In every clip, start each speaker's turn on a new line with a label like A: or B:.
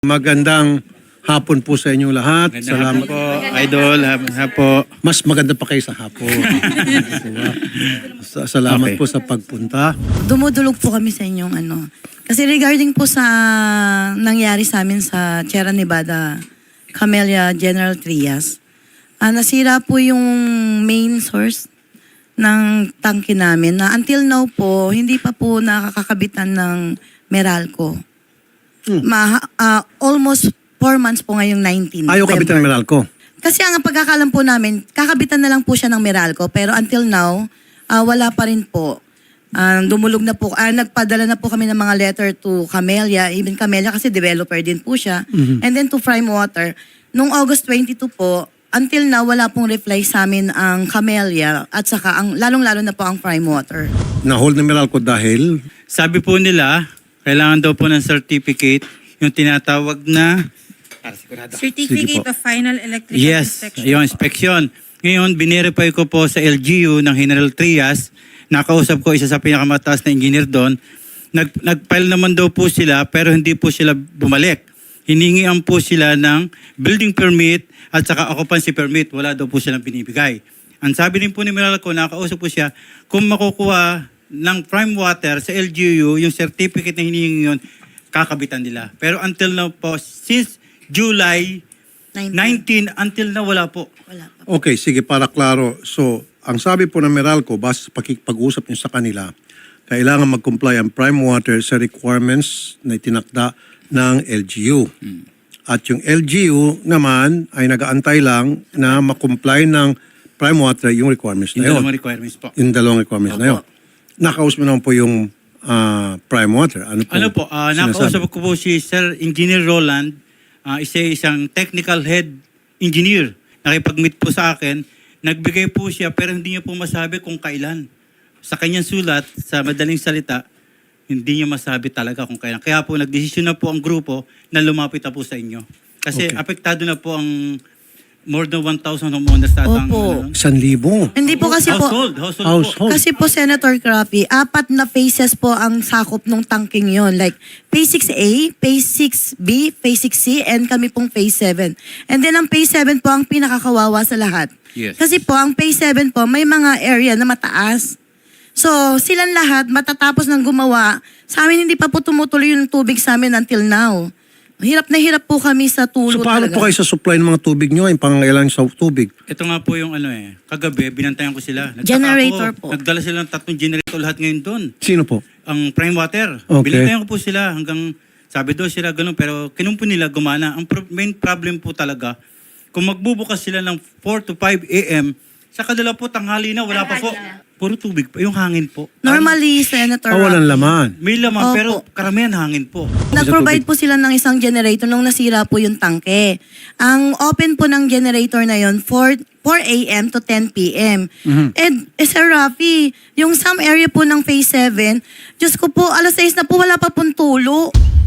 A: Magandang hapon po sa inyo lahat. Salamat
B: po, Idol. Hapo.
A: Mas maganda pa kayo sa hapon. Diba? Salamat
B: Okay.
A: po sa pagpunta.
C: Dumudulog po kami sa inyong ano. Kasi regarding po sa nangyari sa amin sa Sierra Nevada, Camellia General Trias, nasira po yung main source ng tangke namin na until now po, hindi pa po nakakakabitan ng Meralco. Almost 4 months po ngayong 19
A: Ayaw kabitan ng Meralco.
C: Kasi ang pagkakalam po namin, kakabitan na lang po siya ng Meralco. Pero until now, wala pa rin po. Dumulog na po. Nagpadala na po kami ng mga letter to Camellia. Even Camellia kasi developer din po siya. And then to Prime Water. Noong August 22 po, until now, wala pong reply sa amin ang Camellia. At saka, lalong-lalo na po ang Prime Water.
A: Na-hold ng Meralco dahil
B: Sabi po nila, kailangan daw po ng certificate, yung tinatawag na
D: Certificate of Final Electrical
B: yes,
D: Inspection.
B: yung inspection. Ngayon, binerify ko po sa LGU ng General Trias, nakausap ko isa sa pinakamataas na engineer doon, nag-file naman daw po sila pero hindi po sila bumalik. Hiningian po sila ng building permit at saka occupancy permit. Wala daw po silang binibigay. Ang sabi din po ni Meralco, nakausap po siya, kung makukuha ng Prime Water sa LGU, yung certificate na hinihingi yun, kakabitan nila. Pero until now po, since July 19 until now, wala po.
C: Wala pa.
A: okay, sige, para klaro. So, ang sabi po ng Meralco, base sa pag-usap niyo sa kanila, kailangan mag-comply ang Prime Water sa requirements na itinakda ng LGU. At yung LGU naman ay nag-aantay lang na mag-comply ng Prime Water yung requirements
B: Yung
A: na yun.
B: dalawang requirements po.
A: Yung dalawang requirements na yun. Nakausap mo naman po yung Prime Water.
B: Ano po, nakausap ko po si Sir Engineer Roland, isang technical head engineer. Nakipag-meet po sa akin, nagbigay po siya pero hindi niya po masabi kung kailan. Sa kanyang sulat, sa madaling salita, hindi niya masabi talaga kung kailan. Kaya po nagdesisyon na po ang grupo na lumapit na po sa inyo. Kasi
A: Okay.
B: apektado na po ang more than 1,000 homeowners tatang
C: Opo.
A: 1,000.
C: Hindi po kasi po...
B: household po.
C: Kasi po, Senator Crappy, 4 na phases po ang sakop ng tangking yon. Like, phase 6A, phase 6B, phase 6C, and kami pong phase 7. And then ang phase 7 po ang pinakakawawa sa lahat.
B: Yes.
C: Kasi po, ang phase 7 po, may mga area na mataas. So, silang lahat matatapos ng gumawa. Sa amin, hindi pa po tumutuloy yung tubig sa amin until now. Hirap na hirap po kami sa
A: So
C: tulo
A: paano
C: talaga.
A: po kayo sa supply ng mga tubig nyo, yung pangangailangan sa tubig?
B: Ito nga po yung kagabi, binantayan ko sila. Nagtaka
C: Generator
B: ako,
C: po.
B: Nagdala sila ng 3 generator lahat ngayon doon.
A: Sino po?
B: Ang Prime Water.
A: Okay.
B: Binantayan ko po sila hanggang, sabi daw sila ganun, pero kinumpo nila gumana. Ang main problem po talaga, kung magbubukas sila ng 4 to 5 a.m., sa kadala po tanghali na, wala pa po. Puro tubig pa, yung hangin po.
C: Normally, Senator
A: Walang
C: Rafi,
A: laman.
B: May laman,
C: Opo.
B: pero karamihan hangin po.
C: nag-provide po sila ng isang generator nung nasira po yung tangke. Ang open po ng generator na yon 4 a.m. to 10 p.m. And Sir Rafi, yung some area po ng phase 7, Diyos ko po, alas 6 na po, wala pa pong tulo.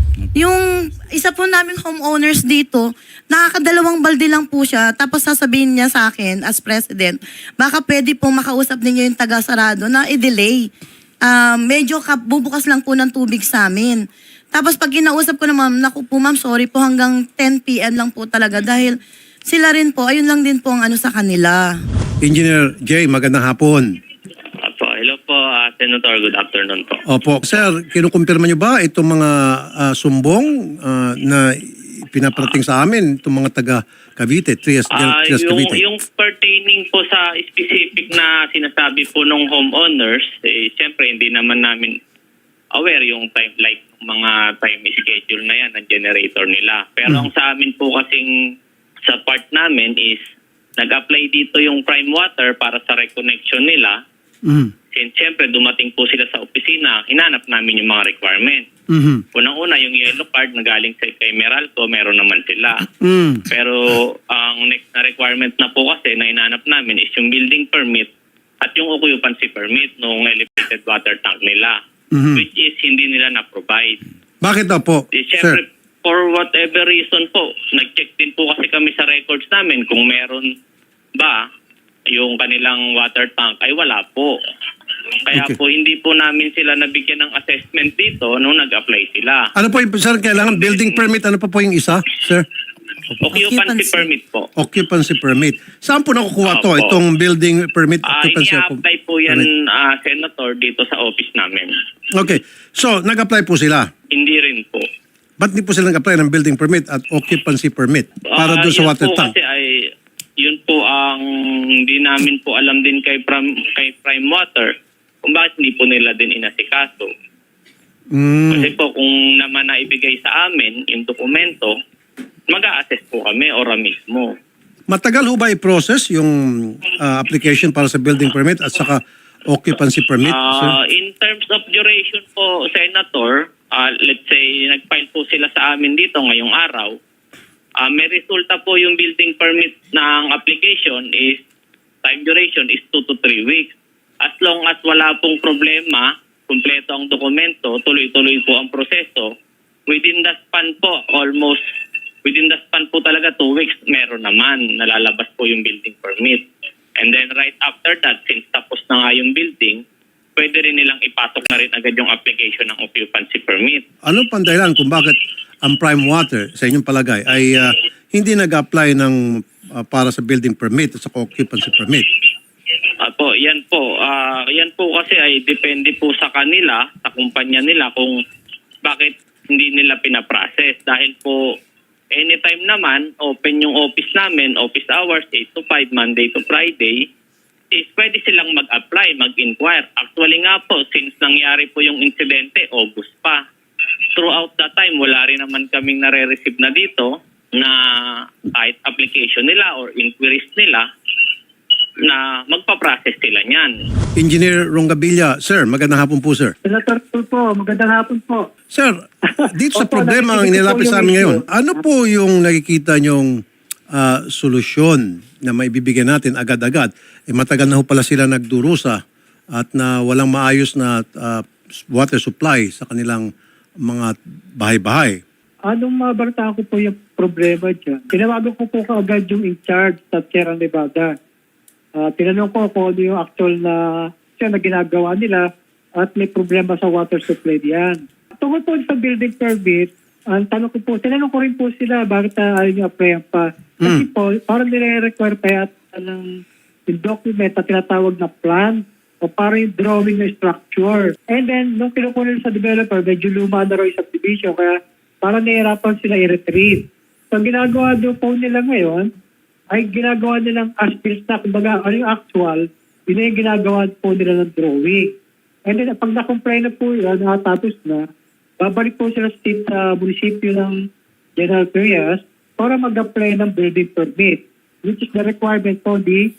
C: Yung isa po naming homeowners dito, nakakadalawang balde lang po siya, tapos sasabihin niya sa akin as president, baka pwede pong makausap ninyo yung taga-sarado na i-delay. Medyo bubukas lang po ng tubig sa amin. Tapos pag kinausap ko na ma'am, naku po ma'am, sorry po hanggang 10 p.m. lang po talaga dahil sila rin po, ayun lang din po ang ano sa kanila.
A: Engineer Jay, magandang hapon.
E: Apo, hello po, Senator. Good afternoon po.
A: Opo. Sir, kinukumpirma nyo ba itong mga sumbong na pinaparating sa amin, itong mga taga Cavite, Trias Cavite?
E: Yung pertaining po sa specific na sinasabi po ng homeowners, siyempre hindi naman namin aware yung time, like mga time schedule na yan ng generator nila. Pero ang sa amin po kasing sa part namin is nag-apply dito yung Prime Water para sa reconnection nila. Since siyempre dumating po sila sa opisina, hinanap namin yung mga requirement. Unang-una, yung yellow card na galing sa kay Meralco, meron naman sila. Pero ang next na requirement na po kasi na hinanap namin is yung building permit at yung occupancy permit ng elevated water tank nila, which is hindi nila na-provide.
A: Bakit daw po,
E: Siyempre,
A: sir?
E: for whatever reason po, nag-check din po kasi kami sa records namin kung meron ba yung kanilang water tank ay wala po. Kaya
A: Okay.
E: po hindi po namin sila nabigyan ng assessment dito nung nag-apply sila.
A: Ano po yung, sir, kailangan building permit? Ano pa po yung isa, sir?
E: Occupancy permit po.
A: Occupancy permit. Saan po nakukuha to?
E: Opo.
A: Itong building permit, occupancy
E: Ini-apply po yan,
A: permit?
E: Senator, dito sa office namin.
A: Okay. So, nag-apply po sila.
E: Hindi rin po.
A: Ba't di po sila nag-apply ng building permit at occupancy permit para doon sa
E: Yun
A: water
E: po
A: tank?
E: Kasi yun po ang hindi namin po alam din kay Prime Water kung bakit hindi po nila din inasikaso. Kasi po kung naman naibigay sa amin yung dokumento, mag-a-assess po kami ora mismo.
A: Matagal ho ba i-process yung application para sa building permit at saka occupancy permit, sir?
E: In terms of duration po, Senator, let's say nag-file po sila sa amin dito ngayong araw, may resulta po yung building permit ng application is time duration is 2 to 3 weeks. As long as wala pong problema, kumpleto ang dokumento, tuloy-tuloy po ang proseso, within the span po, almost within the span po talaga 2 weeks, meron naman, nalalabas po yung building permit. And then right after that, since tapos na nga yung building, pwede rin nilang ipasok na rin agad yung application ng occupancy permit.
A: Ano pang dahilan kung bakit ang Prime Water, sa inyong palagay, ay hindi nag-apply ng para sa building permit at sa occupancy permit?
E: Yan po kasi ay depende po sa kanila, sa kumpanya nila kung bakit hindi nila pinaprocess. Dahil po anytime naman, open yung office namin, office hours 8 to 5, Monday to Friday, is pwede silang mag-apply, mag-inquire. Actually nga po, since nangyari po yung insidente, August pa. Throughout that time, wala rin naman kaming nare-receive na dito na kahit application nila or inquiries nila na magpa-process sila niyan.
A: Engineer Rongabilla, sir, magandang hapon po, sir.
F: Senator po, magandang hapon po.
A: Sir, dito sa
F: Opo,
A: problema ang
F: nakikita ko
A: inilapit
F: po
A: sa
F: yung
A: amin
F: issue.
A: ngayon, ano po yung nakikita nyong solusyon na maibibigyan natin agad-agad? Matagal na ho pala sila nagdurusa at na walang maayos na water supply sa kanilang mga bahay-bahay.
F: Anong mabalita ko po yung problema dyan? Tinawagan ko po kaagad yung in-charge sa Sierra Nevada. Tinanong ko kung ano yung actual na ginagawa nila at may problema sa water supply diyan. Tungkol po sa building permit, ang tanong ko po, tinanong ko rin po sila bakit ayaw nyo applyan pa. Kasi po, parang nire-require pa yata ng yung document na tinatawag na plan o parang yung drawing ng structure. And then, nung kinukunin sa developer, medyo luma na raw yung subdivision, kaya parang nahihirapan sila i-retrieve. So, ang ginagawa doon po nila ngayon, ay ginagawa nilang as-built na, kumbaga, ano yung actual, yun na yung ginagawa po nila ng drawing. And then, pag na-comply na po yun, nakatapos na, babalik po sila sa munisipyo ng General Trias para mag-apply ng building permit, which is the requirement po di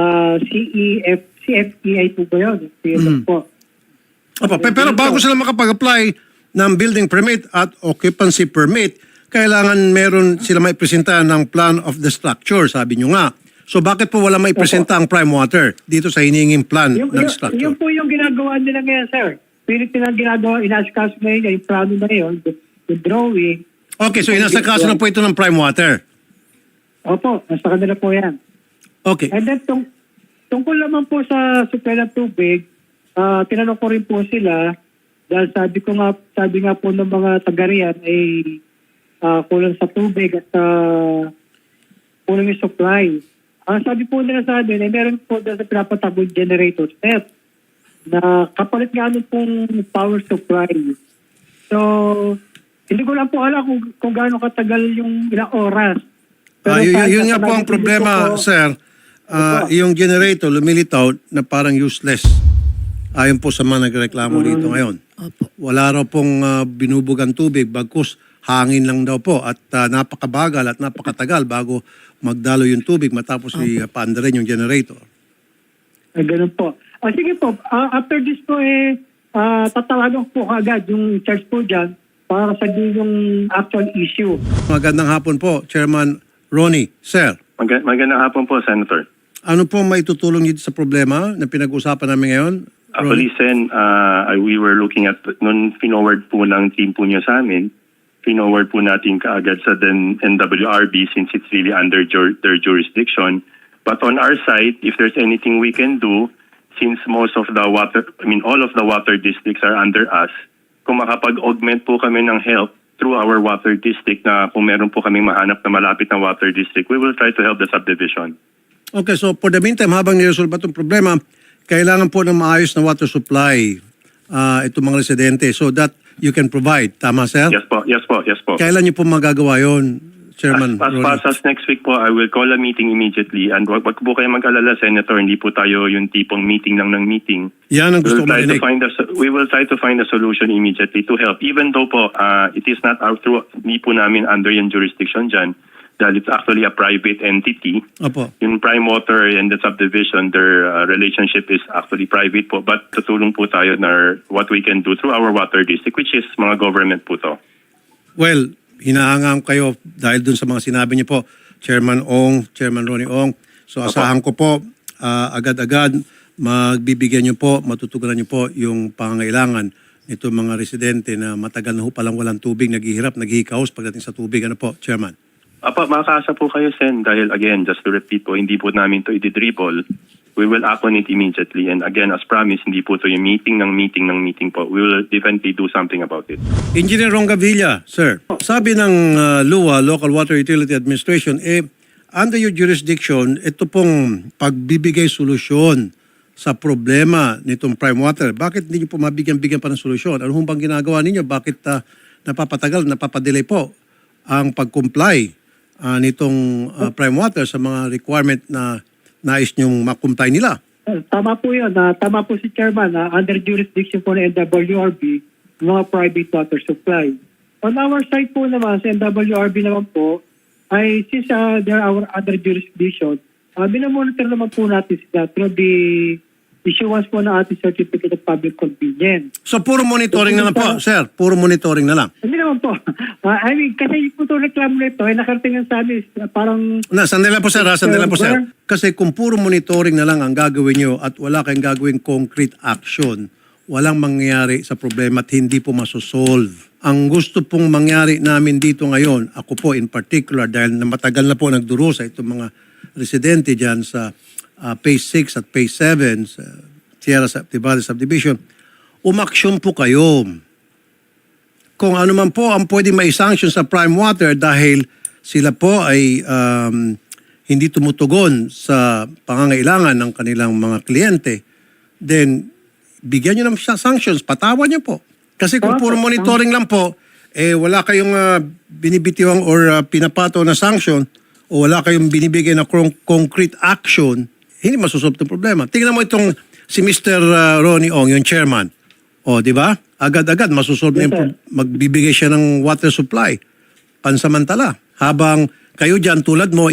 F: CFEI po ba yun? Po.
A: Pero bago sila makapag-apply ng building permit at occupancy permit, kailangan meron sila maipresenta ng plan of the structure, sabi nyo nga. So bakit po wala maipresenta ang Prime Water dito sa hinihinging plan ng structure?
F: Yun po yung ginagawa nila ngayon, sir. Pilit nilang ginagawa, inaskas ngayon, yung plano na yun, yung drawing.
A: Okay, so inasakaso na po ito ng Prime Water.
F: Opo, nasa kanila po yan.
A: Okay.
F: And then, tungkol naman po sa supply ng tubig, tinanong ko rin po sila, dahil sabi nga po ng mga taga-riyan ay kulang sa tubig at kulang yung supply. Ang sabi po nila sa amin, ay meron po dahil sa pinapatabong generator set na kapalit nga ano pong power supply. So, hindi ko lang po alam kung gaano katagal yung ilang oras.
A: Yun nga po ang problema, sir. Yung generator lumilitaw na parang useless. Ayon po sa mga nagreklamo dito ngayon. Wala raw pong binubugang tubig, bagkus hangin lang daw po at napakabagal at napakatagal bago magdalo yung tubig matapos ipaandarin yung generator.
F: Ganun po. Sige po, after this po tatawagan po agad yung charge po dyan para sabihin yung actual issue.
A: Magandang hapon po, Chairman Ronnie. Sir,
G: Magandang hapon po, Senator.
A: ano po may tutulong dito sa problema na pinag-usapan namin ngayon?
G: Actually, Sen, we were looking at, nung finoward po ng team po niyo sa amin, finoward po natin kaagad sa NWRB since it's really under their jurisdiction. But on our side, if there's anything we can do, since most of the all of the water districts are under us, kung makapag-augment po kami ng help through our water district na kung meron po kaming mahanap na malapit na water district, we will try to help the subdivision.
A: Okay, so for the meantime, habang niresolve itong problema, kailangan po ng maayos na water supply itong mga residente so that you can provide. Tama, sir?
G: Yes po, yes po, yes po.
A: Kailan niyo po magagawa yun, Chairman
G: As
A: Ronnie?
G: fast as next week po, I will call a meeting immediately. And wag po kayo mag-alala, Senator, hindi po tayo yung tipong meeting lang ng meeting.
A: Yan ang gusto ko marinig.
G: We will try to find a solution immediately to help. Even though po, it is not out through, hindi po namin under yung jurisdiction dyan, dahil it's actually a private entity.
A: Opo.
G: Yung Prime Water and the subdivision, their relationship is actually private po. But tutulong po tayo na what we can do through our water district, which is mga government po to.
A: Well, hinahangam kayo dahil dun sa mga sinabi niyo po, Chairman Ong, Chairman Ronnie Ong. So asahan ko po, agad-agad magbibigyan niyo po, matutugunan niyo po yung pangangailangan nito mga residente na matagal na ho palang walang tubig, naghihirap, naghihikaos pagdating sa tubig. Ano po, Chairman?
G: Makakaasa po kayo, Sen, dahil again, just to repeat po, hindi po namin to i-dribble. We will act on it immediately. And again, as promised, hindi po to yung meeting po. We will definitely do something about it.
A: Engineer Rongavilla, sir. Sabi ng LUA, Local Water Utility Administration, under your jurisdiction, ito pong pagbibigay solusyon sa problema nitong Prime Water. Bakit hindi niyo po mabigyan-bigyan pa ng solusyon? Ano bang ginagawa ninyo? Bakit napapatagal, napapadelay po ang pag-comply nitong Prime Water sa mga requirement na nais niyong makumply nila?
F: Tama po yun. Tama po si Chairman. Under jurisdiction po ng NWRB, mga private water supply. On our side po naman, sa NWRB naman po, ay since they are our under jurisdiction, binamonitor naman po natin sila through the issuance po ng ating Certificate of Public Convenience.
A: So puro monitoring na lang po, sir. Puro monitoring na lang.
F: Hindi naman po. I mean, kasi po itong reklamo nito ay nakarating sa amin parang...
A: Sandali lang po, sir. Sandali lang po, sir. Kasi kung puro monitoring na lang ang gagawin nyo at wala kayong gagawing concrete action, walang mangyayari sa problema at hindi po masosolve. Ang gusto pong mangyari namin dito ngayon, ako po in particular, dahil na matagal na po nagdurusa itong mga residente dyan sa Phase 6 at Phase 7 sa Sierra Valley Subdivision, umaksyon po kayo. Kung ano man po ang pwede mai-sanction sa Prime Water dahil sila po ay hindi tumutugon sa pangangailangan ng kanilang mga kliyente, then bigyan nyo ng sanctions, patawan nyo po. Kasi kung puro monitoring lang po, wala kayong binibitiwang or pinapato na sanction o wala kayong binibigay na concrete action, hindi masusolve itong problema. Tingnan mo itong si Mr. Ronnie Ong, yung chairman. O, di ba? Agad-agad masusolve na yung magbibigay siya ng water supply. Pansamantala. Habang kayo dyan, tulad mo,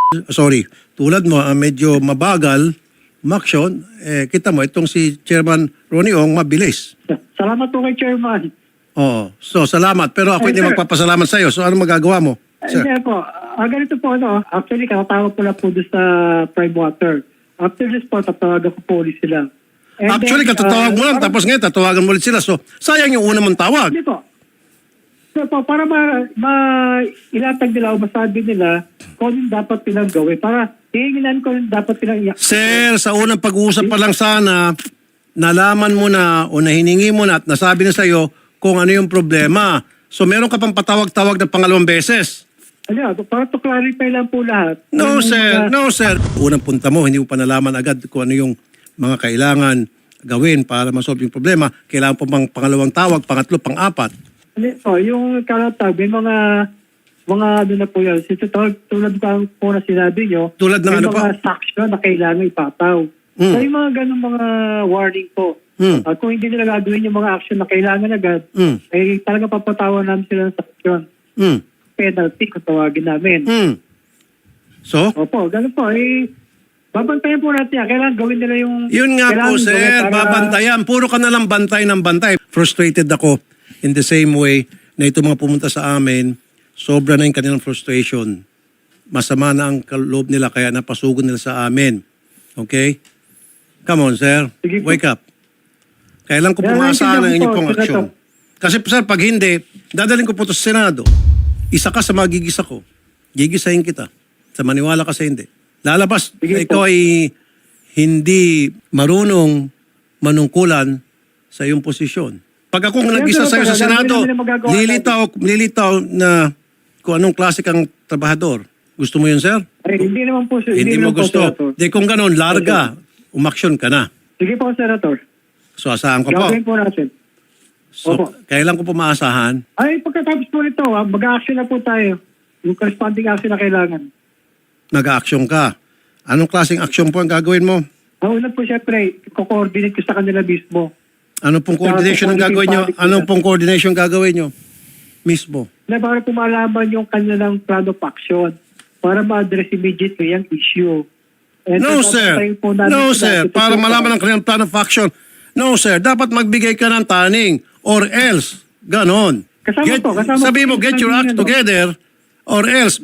A: medyo mabagal, umaksyon, kita mo, itong si Chairman Ronnie Ong, mabilis.
F: Salamat po kay Chairman.
A: Oo. So, salamat. Pero ako hindi magpapasalamat sa iyo. So, ano magagawa mo? Sir?
F: Hindi po. Ganito po, actually, kakatawag ko lang po doon sa Prime Water. After this po, tatawagan ko po ulit sila. And
A: Actually,
F: then,
A: katatawag mo lang. Tapos ngayon, tatawagan mo ulit sila. So, sayang yung una mong tawag.
F: Hindi po. So po, para ilatag nila o masabi nila kung anong dapat nilang gawin. Para hihinginan ko anong dapat nilang
A: Sir, sa unang pag-uusap pa lang sana, nalaman mo na o nahiningi mo na at nasabi na sa'yo kung ano yung problema. So, meron ka pang patawag-tawag na pangalawang beses.
F: Para to clarify lang po lahat.
A: No, sir. No, sir. Unang punta mo, hindi mo pa nalaman agad kung ano yung mga kailangan gawin para masolve yung problema. Kailangan pa bang pangalawang tawag, pangatlo, pang-apat?
F: Yung kalatag, may mga ano na po yan. Tulad po na sinabi nyo,
A: Tulad ng
F: may
A: ano
F: mga sanction na kailangan ipataw. So yung mga ganun mga warning po. Kung hindi nila gagawin yung mga action na kailangan agad, ay talaga papatawan namin sila ng sanction. Penalty kung tawagin namin.
A: So?
F: Opo, ganun po. Babantayan po natin yan. Kailangan gawin nila yung...
A: Yun nga po, sir. Babantayan. Puro ka na lang bantay ng bantay. Frustrated ako in the same way na ito mga pumunta sa amin, sobra na yung kanilang frustration. Masama na ang loob nila kaya napasugon nila sa amin. Okay? Come on, sir.
F: Sige po.
A: Wake up. Kailan ko pumasa ng inyong pong aksyon. Kasi, sir, pag hindi, dadalhin ko po ito sa Senado. Isa ka sa magigisa ko. Gigisahin kita. Sa maniwala ka sa hindi. Lalabas,
F: Sige
A: ikaw
F: po.
A: ay hindi marunong manungkulan sa iyong posisyon. Pag ako nag-isa sa'yo sa Senado, lilitaw na kung anong klase kang trabahador. Gusto mo yun, sir?
F: Ay, hindi naman po, sir.
A: Hindi mo
F: naman po,
A: gusto.
F: Senator.
A: Di kung ganon, larga. Umaksyon ka na.
F: Sige po, Senator.
A: So, asahan ko po.
F: Gagawin po natin.
A: So,
F: Opo.
A: kailan ko po maasahan?
F: Ay, pagkatapos po nito, mag-action na po tayo. Yung corresponding action na kailangan.
A: Mag-action ka. Anong klaseng action po ang gagawin mo?
F: Ang una po, syempre, ko-coordinate ko sa kanila mismo.
A: Ano pong coordination ang gagawin nyo? Anong pong coordination gagawin nyo? Mismo.
F: Na para po malaman yung kanilang plan of action para ma-address immediately yung issue. And
A: No,
F: tapos
A: sir.
F: tayo po natin
A: No,
F: sila.
A: sir. Para malaman ang kanilang plan of action. No, sir. Dapat magbigay ka ng taning or else. Ganon.
F: Kasama
A: sabi mo,
F: po
A: get your
F: yung
A: act
F: ano.
A: together or else.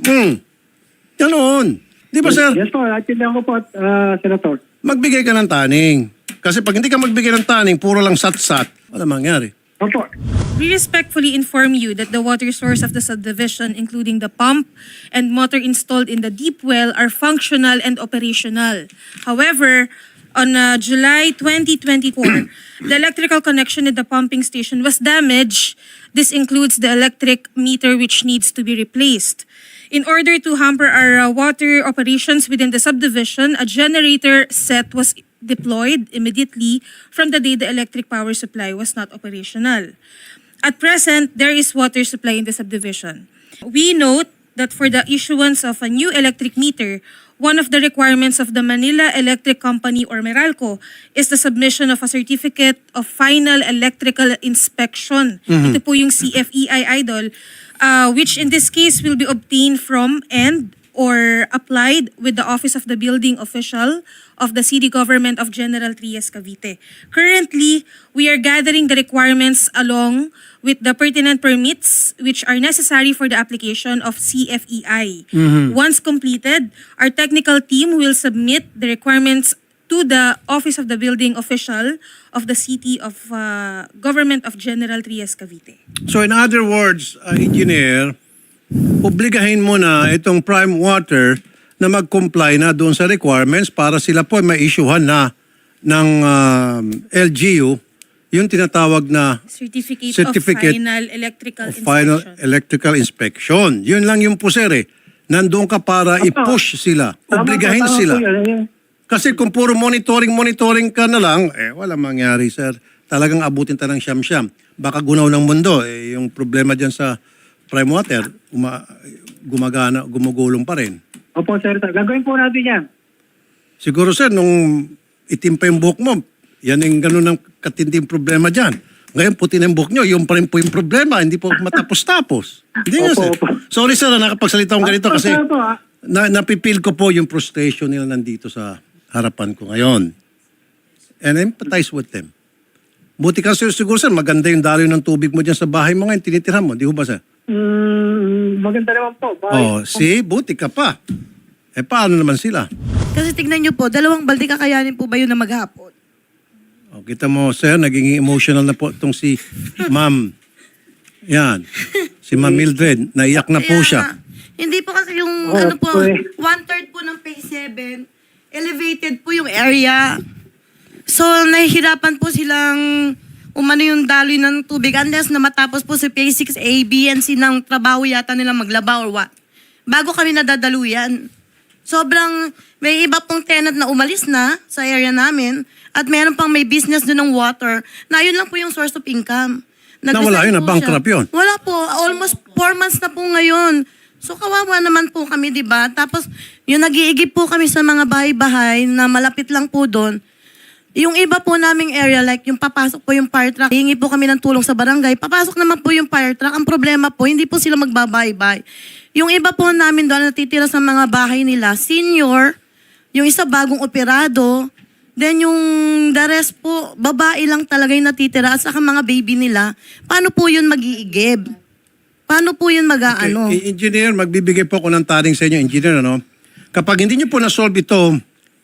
A: Ganon. Di ba, sir?
F: Yes po, atindihan ko po, Senator.
A: Magbigay ka ng taning. Kasi pag hindi ka magbigay ng taning, puro lang sat-sat, wala mangyari.
F: Opo.
D: We respectfully inform you that the water source of the subdivision, including the pump and motor installed in the deep well, are functional and operational. However, on July 2024, the electrical connection at the pumping station was damaged. This includes the electric meter which needs to be replaced. In order to hamper our water operations within the subdivision, a generator set was deployed immediately from the day the electric power supply was not operational. At present, there is water supply in the subdivision. We note that for the issuance of a new electric meter, one of the requirements of the Manila Electric Company or Meralco is the submission of a certificate of final electrical inspection. Ito po yung CFEI idol, which in this case will be obtained from and or applied with the Office of the Building Official of the City Government of General Trias, Cavite. Currently, we are gathering the requirements along with the pertinent permits which are necessary for the application of CFEI. Once completed, our technical team will submit the requirements to the Office of the Building Official of the City of Government of General Trias, Cavite.
A: So in other words, engineer, obligahin mo na itong Prime Water na mag-comply na doon sa requirements para sila po ma-issuehan na ng LGU yung tinatawag na
D: Certificate
A: Certificate
D: of Final Electrical
A: of Final
D: Inspection.
A: Electrical Inspection. Yun lang yung po, sir, eh. Nandun ka para i-push sila. Obligahin
F: Tama po
A: sila.
F: yan.
A: Kasi kung puro monitoring ka na lang, wala mangyari, sir. Talagang abutin ta ng siyam-siyam. Baka gunaw ng mundo. Yung problema dyan sa Prime Water, gumugulong pa rin.
F: Opo, Senator. Gagawin po natin yan.
A: Siguro, sir, nung itim pa yung buhok mo, yan yung ganun ng katinding problema dyan. Ngayon, puti na yung buhok nyo, yung pa rin po yung problema, hindi po matapos-tapos. Hindi nga,
F: Opo,
A: sir.
F: opo.
A: Sorry, sir, na nakapagsalita akong ganito kasi
F: Opo,
A: napipil ko po yung frustration nila nandito sa harapan ko ngayon. And I empathize with them. Buti kasi siguro, sir, maganda yung daloy ng tubig mo dyan sa bahay mo ngayon, tinitirhan mo. Di ba, sir?
F: Maganda naman po.
A: Oh, see, buti ka pa. Paano naman sila?
C: Kasi tignan nyo po, 2 balde kakayanin po ba yun na maghapon?
A: O, kita mo, sir, naging emotional na po itong si Ma'am. Yan. Si Ma'am Mildred, naiyak na po
C: Kaya
A: siya.
C: nga, hindi po kasi yung
F: Oh,
C: ano po,
F: pre.
C: 1/3 po ng phase 7, elevated po yung area. So, nahihirapan po silang umano yung daloy ng tubig unless na matapos po si phase 6 A, B, and C ng trabaho yata nila maglaba or what. Bago kami nadadaluyan. Sobrang, may iba pong tenant na umalis na sa area namin at meron pang may business doon ng water na yun lang po yung source of income.
A: Nawala yun,
C: Nag-resign po
A: na-bankrupt
C: siya.
A: yun?
C: Wala po. Almost 4 months na po ngayon. So kawawa naman po kami, di ba? Tapos yung nag-iigib po kami sa mga bahay-bahay na malapit lang po doon. Yung iba po naming area, like yung papasok po yung fire truck, hingi po kami ng tulong sa barangay, papasok naman po yung fire truck. Ang problema po, hindi po sila magbabaybay. Yung iba po namin doon natitira sa mga bahay nila, senior, yung isa bagong operado, then yung the rest po, babae lang talaga yung natitira at saka mga baby nila. Paano po yun mag-iigib? Paano po yun mag-aano?
A: Okay, engineer, magbibigay po ako ng taring sa inyo, engineer, ano? Kapag hindi nyo po na-solve ito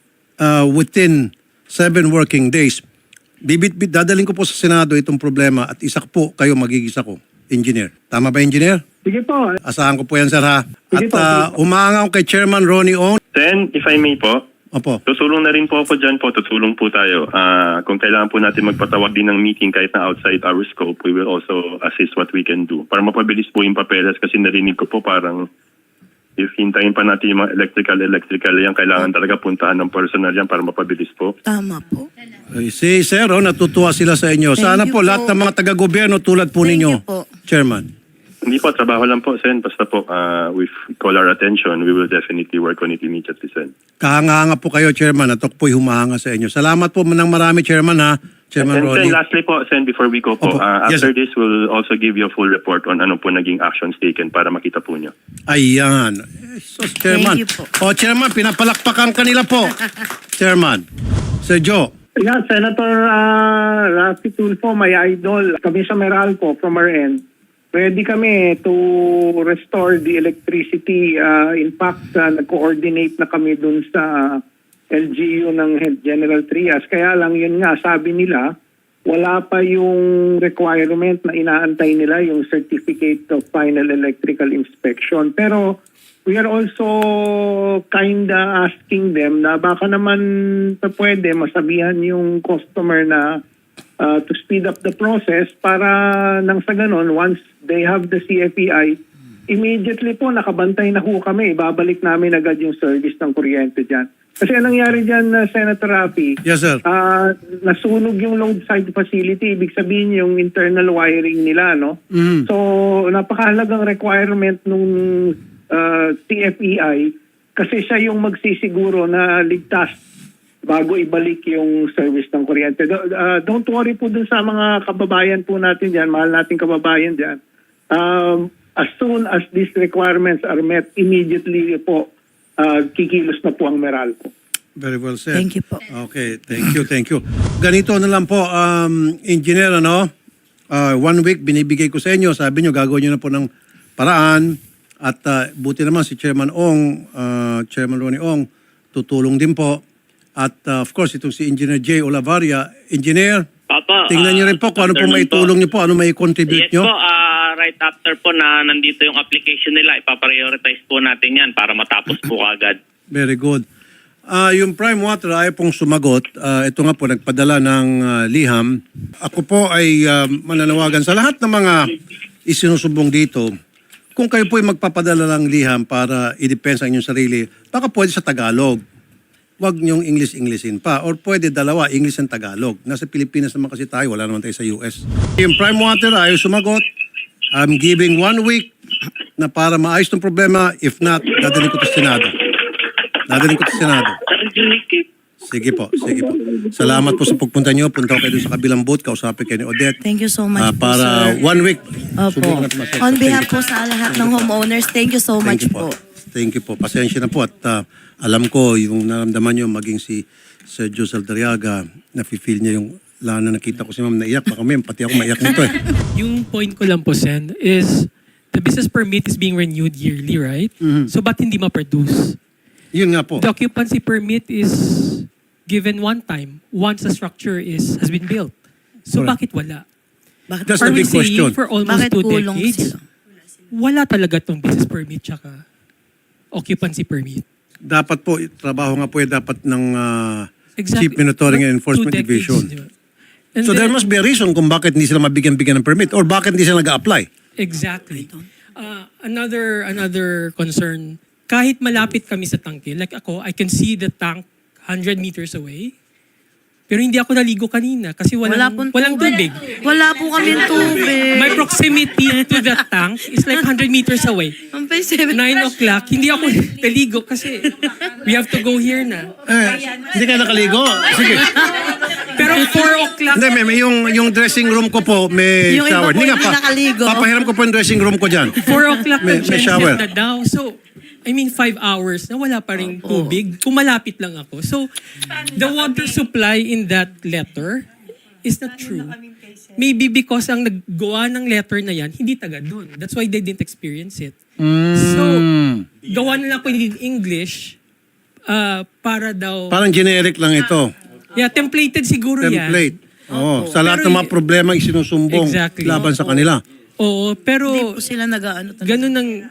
A: within 7 working days, dadaling ko po sa Senado itong problema at isa po kayo magigisa ko, engineer. Tama ba, engineer?
F: Sige po.
A: Asahan ko po yan, sir, ha? At
F: Sige po, sige
A: umaanga ko kay Chairman Ronnie Ong.
G: Then, if I may po,
A: Opo.
G: Tutulong na rin po ako dyan po. Tutulong po tayo. Kung kailangan po natin magpatawag din ng meeting kahit na outside our scope, we will also assist what we can do. Para mapabilis po yung papeles kasi narinig ko po parang if hintayin pa natin yung mga electrical yan, kailangan talaga puntahan ng personal yan para mapabilis po.
C: Tama po.
A: Si Sir, natutuwa sila sa inyo.
C: Thank
A: Sana
C: you
A: po
C: po.
A: lahat ng mga taga-gobyerno tulad po
C: Thank
A: ninyo,
C: you po.
A: Chairman.
G: Hindi po, trabaho lang po, Sen. Basta po, if we call our attention, we will definitely work on it immediately, Sen.
A: Kahanga-hanga po kayo, Chairman, at ako po'y humahanga sa inyo. Salamat po ng marami, Chairman, ha? Chairman
G: And
A: Ronnie.
G: Sen, lastly po, Sen, before we go po,
A: Opo. Yes,
G: after
A: sir.
G: this, we'll also give you a full report on ano po naging actions taken para makita po nyo.
A: Ayan. So, Chairman.
C: Thank you po.
A: O, Chairman, pinapalakpakan kanila po. Chairman. Sir Joe.
F: Yeah, Senator Rafi Tulfo, my idol. Kami sa Meralco, from our end, ready kami to restore the electricity. In fact, nag-coordinate na kami dun sa LGU ng General Trias. Kaya lang yun nga, sabi nila, wala pa yung requirement na inaantay nila, yung Certificate of Final Electrical Inspection. Pero we are also kinda asking them na baka naman pwede masabihan yung customer na to speed up the process para nang sa ganon, once they have the CFEI, immediately po nakabantay na ho kami. Ibabalik namin agad yung service ng kuryente dyan. Kasi anong nangyari dyan, Senator Rafi?
A: Yes, sir.
F: Nasunog yung load side facility. Ibig sabihin yung internal wiring nila, no?
A: Mhm.
F: So, napakahalagang requirement nung CFEI kasi siya yung magsisiguro na ligtas bago ibalik yung service ng kuryente. Don't worry po dun sa mga kababayan po natin dyan, mahal nating kababayan dyan. As soon as these requirements are met, immediately po kikilos na po ang Meralco.
A: Very well said.
C: Thank you po.
A: Okay, thank you. Ganito na lang po, engineer, 1 week binibigay ko sa inyo. Sabi nyo, gagawin nyo na po ng paraan. At buti naman si Chairman Ong, Chairman Ronnie Ong, tutulong din po. At of course, itong si Engineer J. Olavaria. Engineer,
E: Papa,
A: tingnan nyo rin po kung ano po
E: afternoon
A: may tulong nyo po, ano may contribute
E: Yes
A: nyo.
E: po, right after po na nandito yung application nila, ipaprioritize po natin yan para matapos po agad.
A: Very good. Yung Prime Water ay pong sumagot. Ito nga po, nagpadala ng liham. Ako po ay mananawagan sa lahat ng mga isinusubong dito. Kung kayo po ay magpapadala ng liham para i-depensa ang inyong sarili, baka pwede sa Tagalog. Huwag niyong English-Englishin pa. Or pwede dalawa, English and Tagalog. Nasa Pilipinas naman kasi tayo, wala naman tayo sa US. Yung Prime Water ay sumagot. I'm giving 1 week na para maayos ng problema. If not, dadalhin ko to Senado. Sige po. Salamat po sa pagpunta niyo. Punta ko kayo doon sa kabilang booth. Kausapin kayo ni Odette.
C: Thank you so much po,
A: Para
C: sir.
A: 1 week.
C: Opo.
A: Subukan natin masolve.
C: On
A: Thank
C: behalf
A: you
C: po sa lahat ng homeowners, thank you so much po.
A: Thank you po. Pasensya na po at alam ko yung naramdaman nyo maging si Sir Joe Saldariaga, nafe-feel niya yung lana nakita ko si ma'am naiyak. Baka may pati ako maiyak nito eh.
H: Yung point ko lang po, Sen, is the business permit is being renewed yearly, right? So ba't hindi ma-produce?
A: Yun nga po.
H: The occupancy permit is given one time once the structure has been built. So
A: Correct.
H: bakit wala?
A: That's
H: Are
A: the
H: we
A: big question.
H: saying for almost
C: Bakit
H: 2
C: kulong
H: decades,
C: sila?
H: wala talaga tong business permit tsaka occupancy permit?
A: Dapat po, trabaho nga po dapat ng Chief
H: Exactly.
A: Monitoring and
H: But
A: Enforcement
H: 2 decades,
A: Division.
H: di ba? And
A: So there
H: then-
A: must be a reason kung bakit hindi sila mabigyan-bigyan ng permit or bakit hindi sila nag-a-apply.
H: Exactly. Another concern, kahit malapit kami sa tangke, like ako, I can see the tank 100 meters away. Pero hindi ako naligo kanina kasi
C: Wala
H: walang
C: pong
H: tubig.
C: Wala po kami tubig.
H: My proximity to the tank is like 100 meters away.
C: Ang pay 7.
H: 9 o'clock, hindi ako naligo kasi we have to go here na.
A: Hindi ka nakaligo? Sige.
H: Pero 4 o'clock,
A: Hindi, may yung dressing room ko po, may
C: Yung iba
A: shower.
C: po
A: Hindi nga
C: hindi nakaligo.
A: Papahiram ko po yung dressing room ko dyan.
H: 4 o'clock
A: May shower.
H: na daw. So, 5 hours na wala pa rin tubig. Kung malapit lang ako. So, the water supply in that letter is not true. Maybe because ang naggawa ng letter na yan, hindi taga doon. That's why they didn't experience it. So, gawa na lang ko in English para daw...
A: Parang generic lang ito.
H: Yeah, templated siguro yan.
A: Template. Oo. Sa lahat
H: Pero
A: ng mga problema isinusumbong
H: Exactly.
A: laban sa kanila.
H: Oo, pero
C: Hindi po sila nag-ano talaga.
H: ganun ang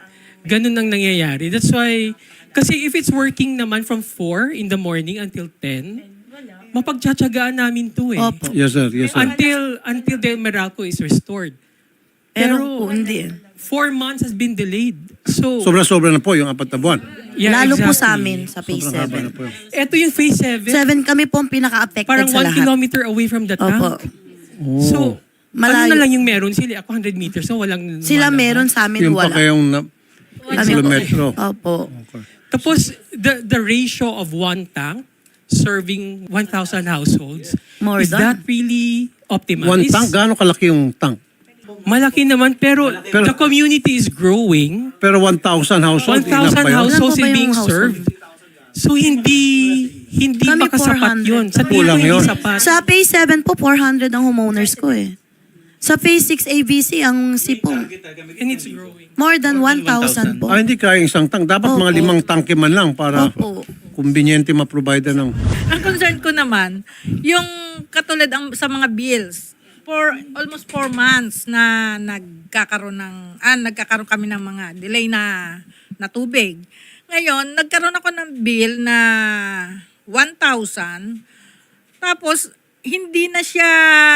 H: Ganun ang nangyayari. That's why, kasi if it's working naman from 4 in the morning until 10, mapagtsatsagaan namin to eh.
C: Opo.
A: Yes, sir. Yes, sir.
H: Until the Meralco is restored.
C: Pero po, hindi.
H: 4 months has been delayed. So,
A: Sobra-sobra na po yung 4 na buwan.
H: yeah,
C: Lalo po
H: exactly.
C: sa amin, sa phase
A: Sobrang haba na
C: 7.
A: po yun.
H: Ito yung phase 7.
C: 7 kami po ang pinaka-affected
H: Parang
C: sa
H: 1
C: lahat.
H: kilometer away from the tank.
C: Opo.
H: So,
C: Malayo.
H: ano na lang yung meron sila? Ako 100 meters, so walang...
C: Sila
H: lumalabas.
C: meron sa amin,
A: Yung pa
C: wala.
A: kayong
C: Kami po.
A: kilometro.
C: Opo.
H: Tapos, the ratio of one tank serving 1,000 households,
C: More
H: is
C: than.
H: that really optimal?
A: One
H: Is-
A: tank, gaano kalaki yung tank?
H: Malaki naman, pero the community is growing.
A: Pero 1,000 household,
H: 1,000
A: ilan pa yun?
H: households
C: Ilan po
H: is
C: ba
H: being
C: yung household?
H: served. So, hindi
C: Kami
H: baka sapat
C: 400.
H: yun. Sa tingin ko
A: Kulang
H: hindi
A: yun.
H: sapat.
C: Sa phase 7 po, 400 ang homeowners ko eh. Sa phase 6 ABC, ang sipong
H: And it's growing.
C: more than 1,000 po.
A: Ah, hindi kaya isang tank. Dapat mga
C: Opo.
A: 5 tangke man lang para
C: Opo.
A: kumbinyente ma-provide ng...
I: Ang concern ko naman, yung katulad sa mga bills, for almost 4 months na nagkakaroon kami ng mga delay na tubig. Ngayon, nagkaroon ako ng bill na 1,000, tapos hindi na siya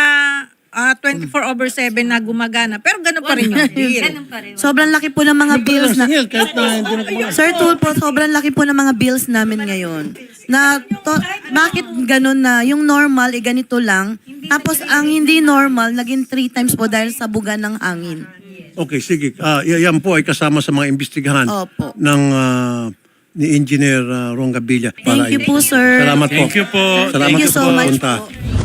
I: 24/7 na gumagana, pero ganun pa rin yung bill.
C: Sobrang laki po ng mga bills na...
A: Kahit na hindi na
C: Sir Tulfo, sobrang laki po ng mga bills namin ngayon. Bakit ganun na yung normal, ganito lang. Tapos ang hindi normal, naging 3 times po dahil sa buga ng hangin.
A: Okay, sige. Yan po ay kasama sa mga imbestigahan
C: Opo.
A: ng ni Engineer Ron Gabilla.
C: Thank you po, sir.
A: Salamat po.
B: Thank you po.
A: Salamat
C: Thank you
A: po
C: so
A: sa
C: much
A: punta.
C: po.